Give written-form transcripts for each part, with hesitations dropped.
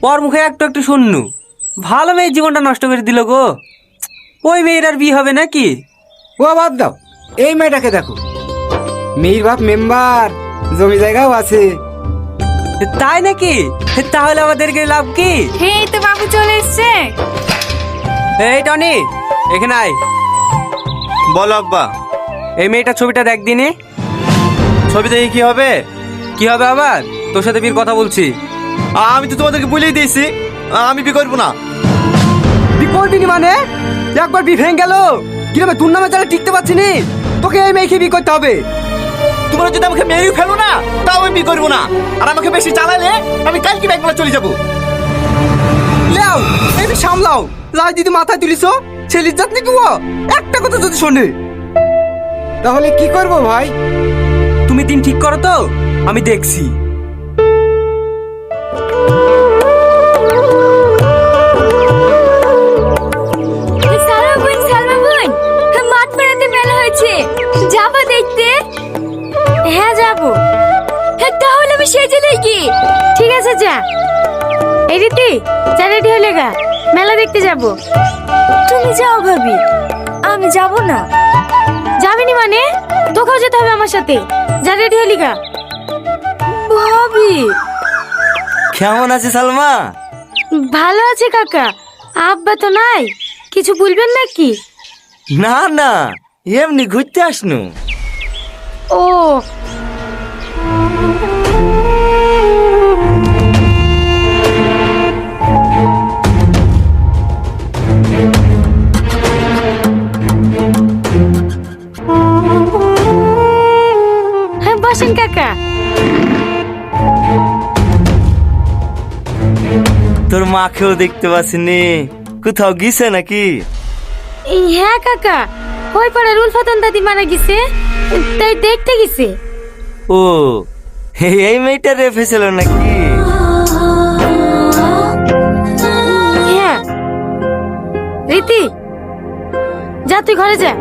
ওর মুখে একটু একটু শুননু, ভালো মেয়ের জীবনটা নষ্ট করে দিল গো। ওই মেয়ের আর বিয়ে হবে নাকি? ও বাদ দাও, এই মেয়েটাকে দেখো, মেয়ের বাপ মেম্বার, জমি জায়গাও আছে। তাই নাকি? তাহলে আমাদেরকে লাভ কি? এই তো বাবু চলে এসছে। এই টনি, এখানে আয়। বলো আব্বা। এই মেয়েটার ছবিটা দেখ দিনে। ছবি দেখে কি হবে? কি হবে আবার? তোর সাথে বিয়ের কথা বলছি। আমি তো তোমাদেরকে বলেই দিয়েছি আমি বিয়ে করবো না। তুই করবি নি মানে? একবার বি ভেঙে গেল, কিরকম তোর নামে যারা টিকতে পারছি নি, তোকে এই মেয়েকে বি করতে হবে। তোমরা যদি আমাকে মেরেই ফেলো না, তাও আমি বিয়ে করবো না। আর আমাকে বেশি চালালে আমি কালকে ব্যাংকলা চলে যাবো। লেও, এই সামলাও, লাই দিদি মাথায় তুলিস, ছেলির জাত নাকি ও? একটা কথা যদি শোনে, তাহলে কি করব ভাই? তুমি দিন ঠিক করো তো, আমি দেখছি। মাঠ পেরাতে মেলা হয়েছে, যাবো দেখতে? হ্যাঁ যাবো। তাহলে আমি সেজে দেখি। ঠিক আছে যা। এই রীতি, যা রেডি হলে গা, মেলা দেখতে যাব। তুমি যাও ভাবি, আমি যাব না। যাবিনি মানে? তোকেও যেতে হবে আমার সাথে। যা রেডি হলি গা। ভাবি কেমন আছে সালমা? ভালো আছে কাকা। আব্বা তো নাই, কিছু বলবেন নাকি? না না, এমনি ঘুরতে আসনু। ও হ্যাঁ, বসেন কাকা। তোর মাকেও দেখতে পাচ্ছিনি, কোথাও গিয়েছে নাকি? হ্যাঁ কাকা, ওই পাড়ার উলফাতন দাদি মারা গেছে, তাই দেখতে গেছে। ও, এই মেয়েটা রেফে ছিল নাকি? হ্যাঁ রীতি, যা তুই ঘরে যা।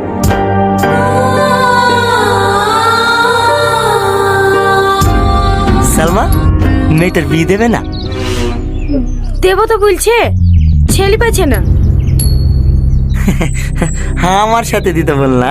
সালমা, মেয়েটার বিয়ে দেবে না? দেব তো বলছে, ছেলে পাচ্ছে না। হ্যাঁ, আমার সাথে দিতে বললা।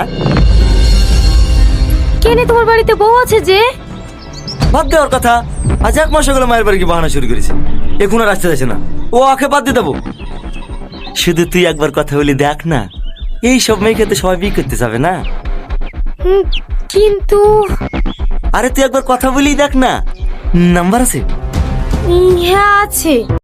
কেনে তোমার বাড়িতে বউ আছে যে? বাদ দেওয়ার কথা। আজ এক মাস হলো মায়ের বাড়ি কি বাহানা শুরু করেছে, এখন আর আসতে যাচ্ছে না। ও আখে বাদ দিয়ে দেবো। শুধু তুই একবার কথা বলি দেখ না, এই সব মেয়েকে তো সবাই বিয়ে করতে যাবে না। কিন্তু আরে তুই একবার কথা বলি দেখ না, নাম্বার আছে? হ্যাঁ আছে।